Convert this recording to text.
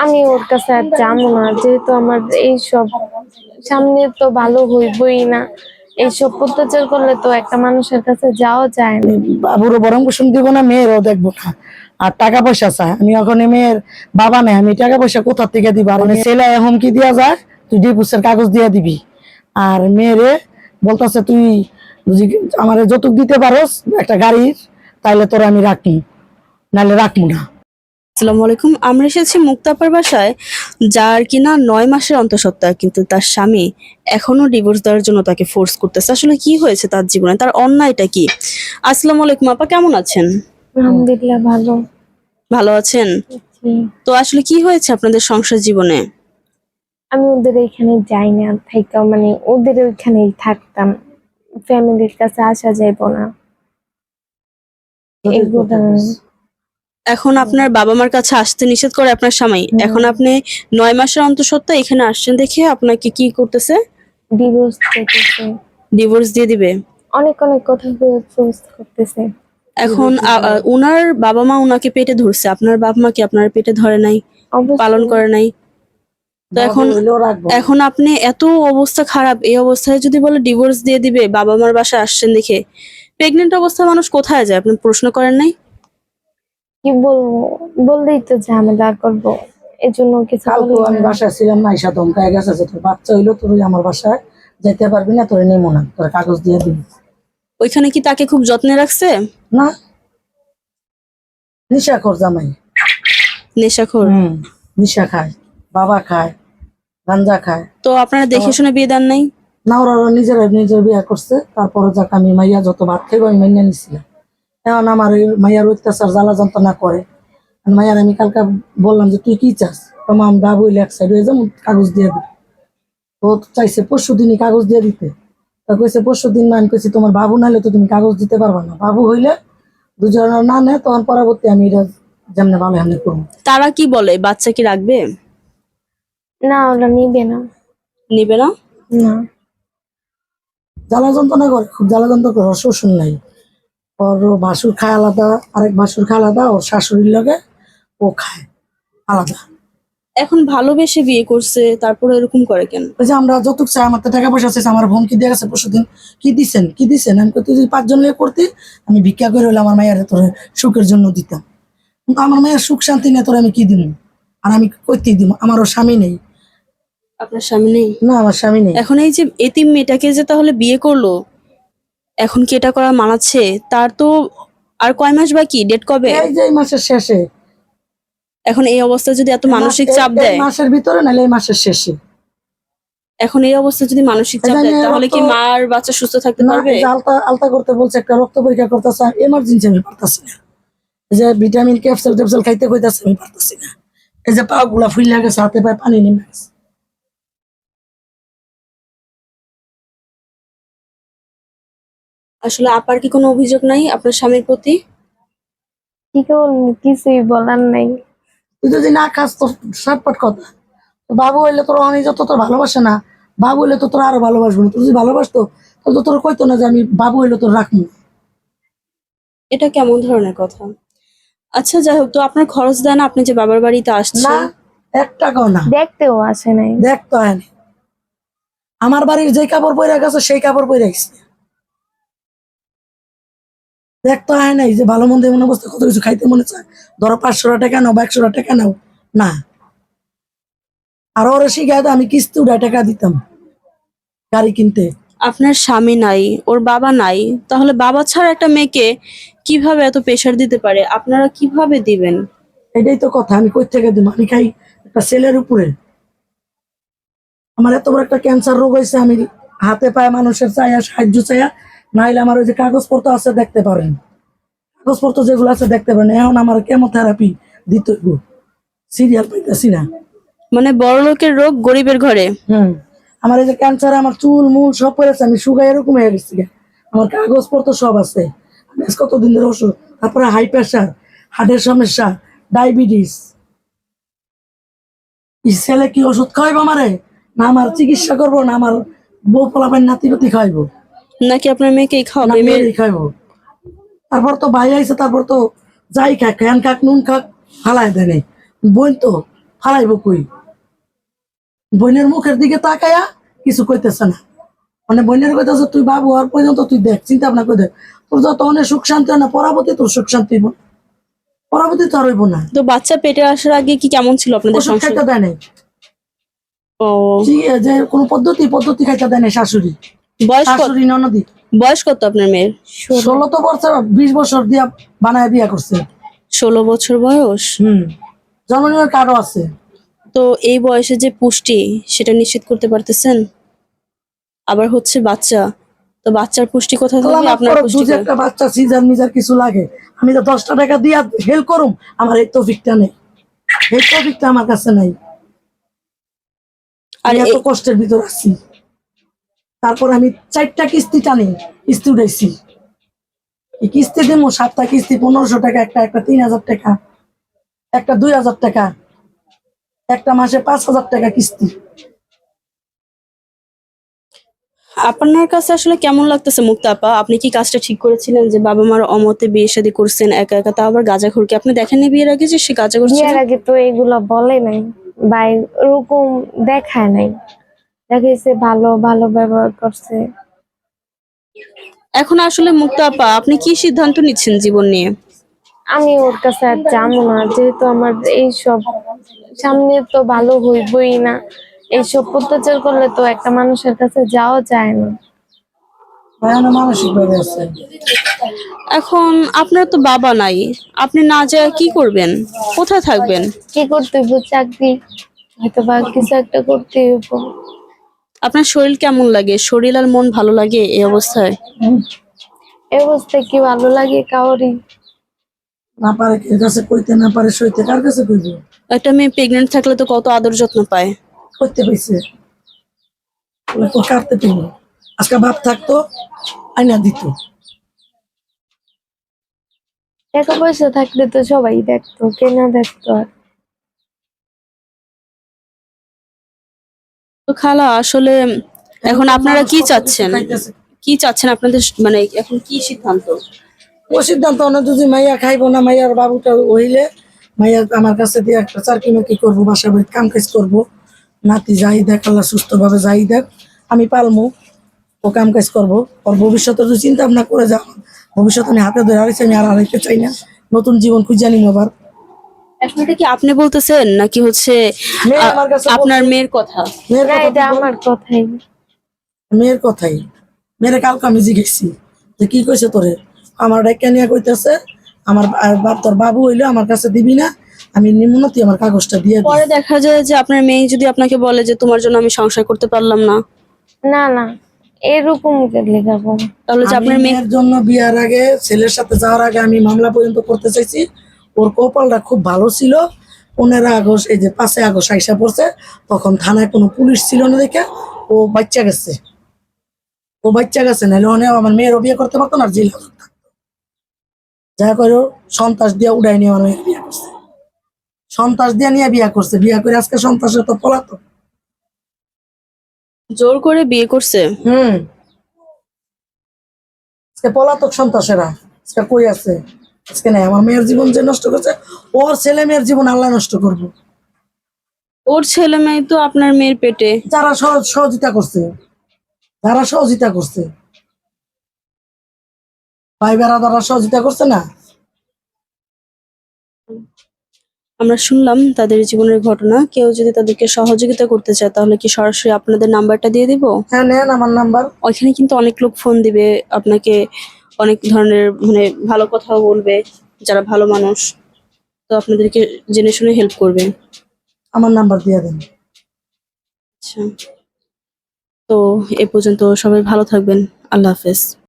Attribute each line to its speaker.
Speaker 1: আমি ওর কাছে আর যাবো না, যেহেতু আমার এইসব সামনে তো ভালো হইবই না। এইসব অত্যাচার করলে তো একটা মানুষের কাছে যাওয়া যায় না।
Speaker 2: বাবুরও বরং পোষণ দিব না, মেয়েরও দেখবো না। আর টাকা পয়সা চায়, আমি এখন মেয়ের বাবা নাই, আমি টাকা পয়সা কোথা থেকে দিব? আর ছেলে হুমকি দিয়া যায় তুই ডিভোর্সের কাগজ দিয়া দিবি, আর মেয়েরে বলতেছে তুই যদি আমার যৌতুক দিতে পারোস একটা গাড়ির, তাইলে তোরা আমি রাখবো, নাহলে রাখবো না।
Speaker 3: আসসালামু আলাইকুম। আমরা এসেছি মুক্তাপার বাসায়, যার কিনা 9 মাসের অন্তঃসত্ত্বা, কিন্তু তার স্বামী এখনো ডিভোর্স দেওয়ার জন্য তাকে ফোর্স করতেছে। আসলে কি হয়েছে তার জীবনে, তার অন্যায়টা কি? আসসালামু আলাইকুম আপা, কেমন আছেন?
Speaker 1: আলহামদুলিল্লাহ ভালো।
Speaker 3: ভালো আছেন?
Speaker 1: জি।
Speaker 3: তো আসলে কি হয়েছে আপনাদের সংসার জীবনে?
Speaker 1: আমি ওদের এখানে যাই না, থাইকা মানে ওদের ওইখানেই থাকতাম, ফ্যামিলির কাছে আসা যাইব না এগুলো।
Speaker 3: এখন আপনার বাবা মার কাছে আসতে নিষেধ করে আপনার স্বামী, এখন আপনি 9 মাসের অন্তঃসত্ত্বা এখানে আসছেন দেখে আপনাকে কি করতেছে?
Speaker 1: ডিভোর্স করতেছে,
Speaker 3: ডিভোর্স দিয়ে দিবে।
Speaker 1: অনেক অনেক কথা ফোর্স করতেছে।
Speaker 3: এখন উনার বাবা মা উনাকে পেটে ধরছে, আপনার বাবা মা কি আপনার পেটে ধরে নাই, পালন করে নাই? তো এখন আপনি এত অবস্থা খারাপ, এই অবস্থায় যদি বলে ডিভোর্স দিয়ে দিবে বাবা মার বাসায় আসছেন দেখে, প্রেগনেন্ট অবস্থায় মানুষ কোথায় যায়? আপনি প্রশ্ন করেন নাই?
Speaker 1: কি বলবো, বললেই তো ঝামেলা করবো, এজন্য কিছু
Speaker 2: কালকে আমি বাসায় ছিলাম না, ঈশা ধমকায় গেছে যে তোর বাচ্চা হইলো, তুই আমার বাসায় যেতে পারবি না, তোর নেবো না, তোর কাগজ দিয়ে দিবি।
Speaker 3: ওইখানে কি তাকে খুব যত্নে রাখছে?
Speaker 2: না, নিশাখোর জামাই।
Speaker 3: নেশাখোর?
Speaker 2: নিশা খায়, বাবা খায়, গাঞ্জা খায়।
Speaker 3: তো আপনারা দেখে শুনে বিয়ে দেন নাই?
Speaker 2: না, ওরা নিজের বিয়ে করছে। তারপরে যাক আমি মাইয়া যত ভাত খাইব আমি মাইয়া নিছিলাম। এখন আমার ওই মাইয়ার অত্যাচার জ্বালা যন্ত্রণা করে। মাইয়ার আমি কালকে বললাম যে তুই কি চাস? তোমার আমি বাবু হইলে এক সাইড হয়ে যাবো, কাগজ দিয়ে দিবে। ও চাইছে পরশু দিনই কাগজ দিয়ে দিতে। তা কইছে পরশু দিন না, আমি কইছি তোমার বাবু নাহলে তো তুমি কাগজ দিতে পারবা না, বাবু হইলে দুজনের না নেয়, তখন পরবর্তী আমি এটা যেমনি ভালো এমনি করবো।
Speaker 3: তারা কি বলে, বাচ্চা কি রাখবে?
Speaker 1: না, ওরা নিবে না।
Speaker 3: নিবে না?
Speaker 1: না,
Speaker 2: জ্বালা যন্ত্রণা করে, খুব জ্বালা যন্ত্রণা করে। ওর শ্বশুর নাই, ওর ভাসুর খায় আলাদা, আরেক ভাসুর খায় আলাদা, ওর শাশুড়ির লগে ও খায় আলাদা।
Speaker 3: এখন ভালোবেসে বিয়ে করছে, তারপরে এরকম করে কেন?
Speaker 2: ওই যে আমরা যৌতুক চাই, আমার তো টাকা পয়সা চাইছে, আমার হুমকি দিয়ে গেছে পরশুদিন, কি দিছেন? আমি তুই যদি 5 জন নিয়ে করতি, আমি ভিক্ষা করে হলে আমার মায়ের তোর সুখের জন্য দিতাম। কিন্তু আমার মায়ের সুখ শান্তি নিয়ে তোর আমি কি দিব? আর আমি কইতেই দিব, আমারও স্বামী নেই।
Speaker 3: আপনার স্বামী নেই?
Speaker 2: না, আমার স্বামী নেই।
Speaker 3: এখন এই যে এতিম মেয়েটাকে যে তাহলে বিয়ে করলো, এখন কি এটা করা মানাচ্ছে? তার তো আর কয় মাস বাকি, ডেট কবে?
Speaker 2: এই যে এই মাসের শেষে।
Speaker 3: এখন এই অবস্থায় যদি এত মানসিক চাপ দেয়,
Speaker 2: মাসের ভিতরে নাহলে এই মাসের শেষে।
Speaker 3: এখন এই অবস্থায় যদি মানসিক চাপ দেয়, তাহলে কি মা আর বাচ্চা সুস্থ থাকতে পারবে?
Speaker 2: আলতা করতে বলছে, একটা রক্ত পরীক্ষা করতেছে, এমার্জেন্সি আমি পারতাছি না। এই যে ভিটামিন ক্যাপসুল ট্যাপসুল খাইতে কইতাছে, আমি পারতাছি না। এই যে পা গুলা ফুইলা গেছে, হাতে পায়ে পানি নেমে গেছে।
Speaker 3: আসলে আপার কি কোনো অভিযোগ নাই আপনার স্বামীর প্রতি?
Speaker 1: কি করবো, কিছুই বলার নাই।
Speaker 2: তুই যদি না খাস তোর সাতপাট কথা। বাবু হইলে তোর অনেক যত তোর ভালোবাসে না, বাবু হইলে তো তোর আরো ভালোবাসবো না। তুই যদি ভালোবাসতো তাহলে তো তোর কইতো না যে আমি বাবু হইলে তোর রাখবো।
Speaker 3: এটা কেমন ধরনের কথা? আচ্ছা যাই হোক, তো আপনার খরচ দেন, আপনি যে বাবার বাড়িতে
Speaker 2: না,
Speaker 3: আসছেন?
Speaker 2: 1 টাকাও না।
Speaker 1: দেখতেও আসে নাই।
Speaker 2: দেখতো হয়নি। আমার বাড়ির যে কাপড় পরে গেছে সেই কাপড় পরে গেছে। দেখতো হয় নাই যে ভালো মন্দ এমন অবস্থা, কত কিছু খাইতে মনে চায়, ধরো 500 টাকা নাও বা 100 টাকা নাও না। আর ওরা শিখায় আমি কিস্তি উড়ায় টাকা দিতাম গাড়ি কিনতে।
Speaker 3: আপনার স্বামী নাই, ওর বাবা নাই, তাহলে বাবা ছাড়া একটা মেয়েকে কিভাবে এত প্রেশার দিতে পারে? আপনারা কিভাবে দিবেন?
Speaker 2: এটাই তো কথা, আমি কই থেকে দিব? আমি খাই একটা ছেলের উপরে। আমার এত বড় একটা ক্যান্সার রোগ হয়েছে, আমি হাতে পায়ে মানুষের চাইয়া সাহায্য চাইয়া, নাইলে আমার ওই যে কাগজপত্র আছে দেখতে পারেন, কাগজপত্র যেগুলো আছে দেখতে পারেন। এখন আমার কেমোথেরাপি দিতে সিরিয়াল পাইতেছি না।
Speaker 3: মানে বড় লোকের রোগ গরিবের ঘরে।
Speaker 2: আমার এই যে ক্যান্সার, আমার চুল মূল সব পড়েছে, আমি শুকাই এরকম হয়ে গেছি। আমার কাগজপত্র সব আছে। আমি কতদিন ধরে ওষুধ, তারপরে হাই প্রেশার, হার্টের সমস্যা, ডায়াবেটিস। ছেলে কি ওষুধ খাওয়াইবো আমারে? না আমার চিকিৎসা করবো, না আমার বউ পোলাপাইন নাতিপতি খাওয়াইবো,
Speaker 3: নাকি আপনার মেয়েকেই খাওয়াবে?
Speaker 2: মেয়েরই খাইবো। তারপর তো ভাই আইছে, তারপর তো যাই খাক, খ্যান খাক নুন খাক হালাই দেয়। বোন তো হারাইব কই? বোনের মুখের দিকে তাকায়া কিছু কইতেছে না, মানে বোনের কইতেছে তুই বাবু হওয়ার পর্যন্ত তুই দেখ, চিন্তা ভাবনা করে দেখ, তোর যত অনেক সুখ শান্তি হয় না, পরবর্তী তোর সুখ শান্তি হইব, পরবর্তী তো আর হইব না।
Speaker 3: তো বাচ্চা পেটে আসার আগে কি কেমন ছিল আপনাদের
Speaker 2: ওষুধ
Speaker 3: সংসার?
Speaker 2: খাইতে দেয় নাই,
Speaker 3: ও,
Speaker 2: যে কোনো পদ্ধতি খাইতে দেয় নাই শাশুড়ি,
Speaker 3: বয়স কত?
Speaker 2: শাশুড়ি ননদি।
Speaker 3: বয়স কত আপনার মেয়ের?
Speaker 2: 16 তো বছর, 20 বছর দিয়া বানায় বিয়া করছে।
Speaker 3: 16 বছর বয়স।
Speaker 2: জন্ম নিবার কার্ডও আছে।
Speaker 3: তো এই বয়সে যে পুষ্টি সেটা নিশ্চিত করতে পারতেছেন? আবার হচ্ছে বাচ্চা, তো বাচ্চার পুষ্টি কোথায়
Speaker 2: আল্লাহ
Speaker 3: থাকবে?
Speaker 2: মাফ
Speaker 3: আপনার
Speaker 2: করুক,
Speaker 3: পুষ্টি
Speaker 2: দুধে একটা বাচ্চা সিজার মিজার কিছু লাগে, আমি তো 10টা টাকা দিয়া হেল্প করুম, আমার এই তৌফিকটা নেই, এই তৌফিকটা আমার কাছে নাই।
Speaker 3: আর
Speaker 2: আমি এত কষ্টের ভিতর আছি, তারপর আমি 4টা কিস্তি টানি, কিস্তি উঠাইছি, এই কিস্তি দিমু 7টা কিস্তি 1500 টাকা, একটা 3000 টাকা, একটা 2000 টাকা, একটা মাসে 5000 টাকা কিস্তি।
Speaker 3: আপনার কাছে আসলে কেমন লাগতেছে মুক্তা আপা? আপনি কি কাজটা ঠিক করেছিলেন যে বাবা মার অমতে বিয়ে শাদী করছেন একা একা, তাও আবার গাঁজাখোরকে? আপনি দেখেননি বিয়ের আগে যে সে গাঁজা করছে?
Speaker 1: বিয়ের আগে তো এগুলা বলে নাই বা ওরকম দেখায় নাই, দেখাইছে ভালো ভালো ব্যবহার করছে।
Speaker 3: এখন আসলে মুক্তা আপা আপনি কি সিদ্ধান্ত নিচ্ছেন জীবন নিয়ে?
Speaker 1: আমি ওর কাছে আর যাবো না, যেহেতু আমার এইসব সামনে তো ভালো হইবই না। এইসব অত্যাচার করলে তো একটা মানুষের কাছে যাওয়া যায় না।
Speaker 2: মানসিক ভাবে আছে।
Speaker 3: এখন আপনার তো বাবা নাই, আপনি না যায় কি করবেন? কোথায় থাকবেন?
Speaker 1: কি করতে হইব? চাকরি হয়তো বা কিছু একটা করতে হইব।
Speaker 3: আপনার শরীর কেমন লাগে? শরীর আর মন ভালো লাগে এই অবস্থায়?
Speaker 1: এই অবস্থায় কি ভালো লাগে কাউরি?
Speaker 2: না পারে এর কাছে কইতে, না পারে সইতে, কার কাছে কইব?
Speaker 3: একটা মেয়ে প্রেগনেন্ট থাকলে তো কত আদর যত্ন পায়।
Speaker 2: করতে পাইছে তো কাটতে পাইব, আজকে বাপ থাকতো আইনা দিত।
Speaker 1: টাকা পয়সা থাকলে তো সবাই দেখতো, কে না দেখতো? আর
Speaker 3: তো খালা আসলে এখন আপনারা কি চাচ্ছেন? কি চাচ্ছেন আপনাদের মানে এখন কি সিদ্ধান্ত?
Speaker 2: ও সিদ্ধান্ত অনেক যদি মাইয়া খাইবো না, মাইয়ার বাবুটা হইলে মাইয়া আমার কাছে দিয়ে একটা চাকরি মাকি করবো, বাসা বাড়ি কাম কাজ করবো, নাতি যাই দেখ, আল্লাহ সুস্থ ভাবে যাই দেখ, আমি পালমু, ও কাম কাজ করবো। ওর ভবিষ্যতের যদি চিন্তা ভাবনা করে যাও, ভবিষ্যৎ আমি হাতে ধরে হারাইছি, আমি আর হারাইতে চাই না, নতুন জীবন খুঁজে নিম আবার।
Speaker 3: এখন এটা কি আপনি বলতেছেন নাকি হচ্ছে
Speaker 2: মেয়ে আমার কাছে
Speaker 3: আপনার
Speaker 2: বলছে,
Speaker 3: মেয়ের কথা?
Speaker 2: মেয়ের
Speaker 1: না,
Speaker 2: কথা
Speaker 1: এটা আমার কথাই।
Speaker 2: মেয়ের কথাই, মেয়ের কালকে আমি জিজ্ঞেসি যে কি কইছে তোরে, আমার ডাক্কা নিয়ে কইতেছে আমার তোর বাবু হইলো আমার কাছে দিবি না, আমি নিম্ন তুই আমার কাগজটা দিয়ে দিই।
Speaker 3: পরে দেখা যায় যে আপনার মেয়ে যদি আপনাকে বলে যে তোমার জন্য আমি সংসার করতে পারলাম না,
Speaker 1: না না, এরকম লেখাবো।
Speaker 3: তাহলে যে
Speaker 2: আমি
Speaker 3: আপনার মেয়ে
Speaker 2: মেয়ের জন্য বিয়ার আগে, ছেলের সাথে যাওয়ার আগে আমি মামলা পর্যন্ত করতে চাইছি। ওর কপালটা খুব ভালো ছিল, 15 আগস্ট, এই যে 5 আগস্ট আইসা পড়ছে, তখন থানায় কোনো পুলিশ ছিল না দেখে ও বাচ্চা গেছে, ও বাচ্চা গেছে, নাহলে অনেক আমার মেয়েরও বিয়ে করতে পারতো না, জেল হাজত থাকতো। যা করে সন্ত্রাস দিয়ে উড়াই নিয়ে আমার মেয়ের বিয়ে করছে, সন্ত্রাস দিয়ে নিয়ে বিয়ে করছে, বিয়ে করে আজকে সন্ত্রাসের তো পলাতো।
Speaker 3: জোর করে বিয়ে করছে?
Speaker 2: আজকে পলাতক সন্ত্রাসেরা আজকে কই আছে? আজকে নাই, আমার মেয়ের জীবন যে নষ্ট করছে, ওর ছেলে মেয়ের জীবন আল্লাহ নষ্ট করবো।
Speaker 3: ওর ছেলে মেয়ে তো আপনার মেয়ের পেটে।
Speaker 2: যারা সহযোগিতা করছে, যারা সহযোগিতা করছে, ভাই বেড়াদারা সহযোগিতা করছে না।
Speaker 3: আমরা শুনলাম তাদের জীবনের ঘটনা, কেউ যদি তাদেরকে সহযোগিতা করতে চায় তাহলে কি সরাসরি আপনাদের নাম্বারটা দিয়ে দিব?
Speaker 2: হ্যাঁ নেন আমার নাম্বার।
Speaker 3: ওইখানে কিন্তু অনেক লোক ফোন দিবে আপনাকে, অনেক ধরনের মানে ভালো কথাও বলবে, যারা ভালো মানুষ, তো আপনাদেরকে জেনে শুনে হেল্প করবে।
Speaker 2: আমার নাম্বার দিয়ে দেন।
Speaker 3: আচ্ছা, তো এ পর্যন্ত সবাই ভালো থাকবেন। আল্লাহ হাফেজ।